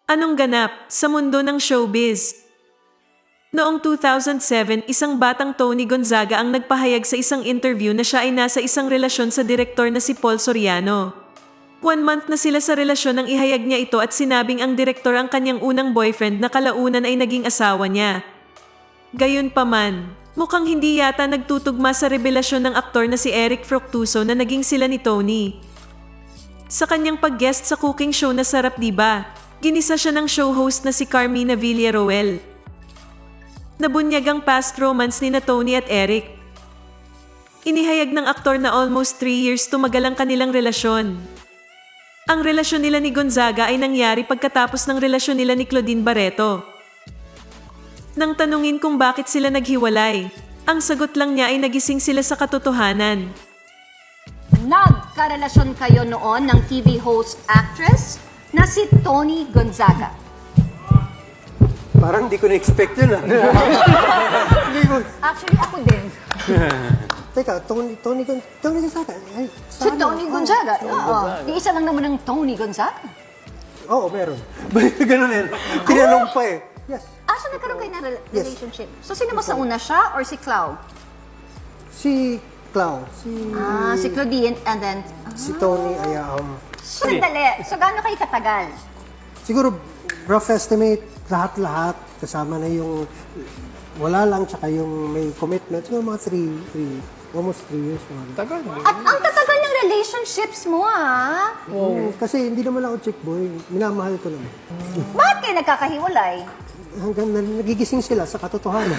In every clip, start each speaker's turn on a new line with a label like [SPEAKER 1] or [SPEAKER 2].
[SPEAKER 1] Anong ganap sa mundo ng showbiz? Noong 2007, isang batang Tony Gonzaga ang nagpahayag sa isang interview na siya ay nasa isang relasyon sa direktor na si Paul Soriano. 1 month na sila sa relasyon nang ihayag niya ito at sinabing ang direktor ang kanyang unang boyfriend na kalaunan ay naging asawa niya. Gayunpaman, mukhang hindi yata nagtutugma sa revelasyon ng aktor na si Eric Fructuoso na naging sila ni Tony. Sa kanyang pag-guest sa cooking show na Sarap Diba, ginisa siya ng show host na si Carmina Villaruel. Nabunyag ang past romance ni na Tony at Eric. Inihayag ng aktor na almost 3 years tumagal ang kanilang relasyon. Ang relasyon nila ni Gonzaga ay nangyari pagkatapos ng relasyon nila ni Claudine Barreto. Nang tanungin kung bakit sila naghiwalay, ang sagot lang niya ay nagising sila sa katotohanan.
[SPEAKER 2] Nagkarelasyon kayo noon ng TV host actress na si Tony Gonzaga.
[SPEAKER 3] Parang hindi ko na-expect yun ah. Hindi ko.
[SPEAKER 2] Actually, ako din.
[SPEAKER 3] Teka, Tony Gonzaga. Ay,
[SPEAKER 2] Si Tony Gonzaga. Oo. Iisa lang naman ng Tony Gonzaga.
[SPEAKER 3] Oo, meron. Ganun yan. Tinanong pa eh. Yes.
[SPEAKER 2] So nagkaroon kayo ng relationship. So, sino mas nauna siya or si Clau?
[SPEAKER 3] Si Clau.
[SPEAKER 2] Si Claudine and then...
[SPEAKER 3] Si Tony ay
[SPEAKER 2] Sandali. So, gaano kayo katagal?
[SPEAKER 3] siguro rough estimate, lahat-lahat. Kasama na yung wala lang, tsaka yung may commitment. Siguro mga 3, almost 3 years.
[SPEAKER 4] Tagal.
[SPEAKER 2] At ang tatagal ng relationships mo, ah.
[SPEAKER 3] Kasi hindi naman ako chick boy. Minamahal ko naman.
[SPEAKER 2] Bakit kayo nagkakahiwalay?
[SPEAKER 3] Hanggang nagigising sila sa katotohanan.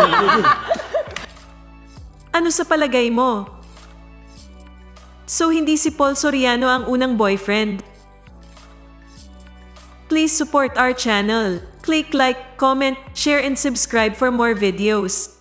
[SPEAKER 1] Ano sa palagay mo? So hindi si Paul Soriano ang unang boyfriend? Please support our channel. Click like, comment, share and subscribe for more videos.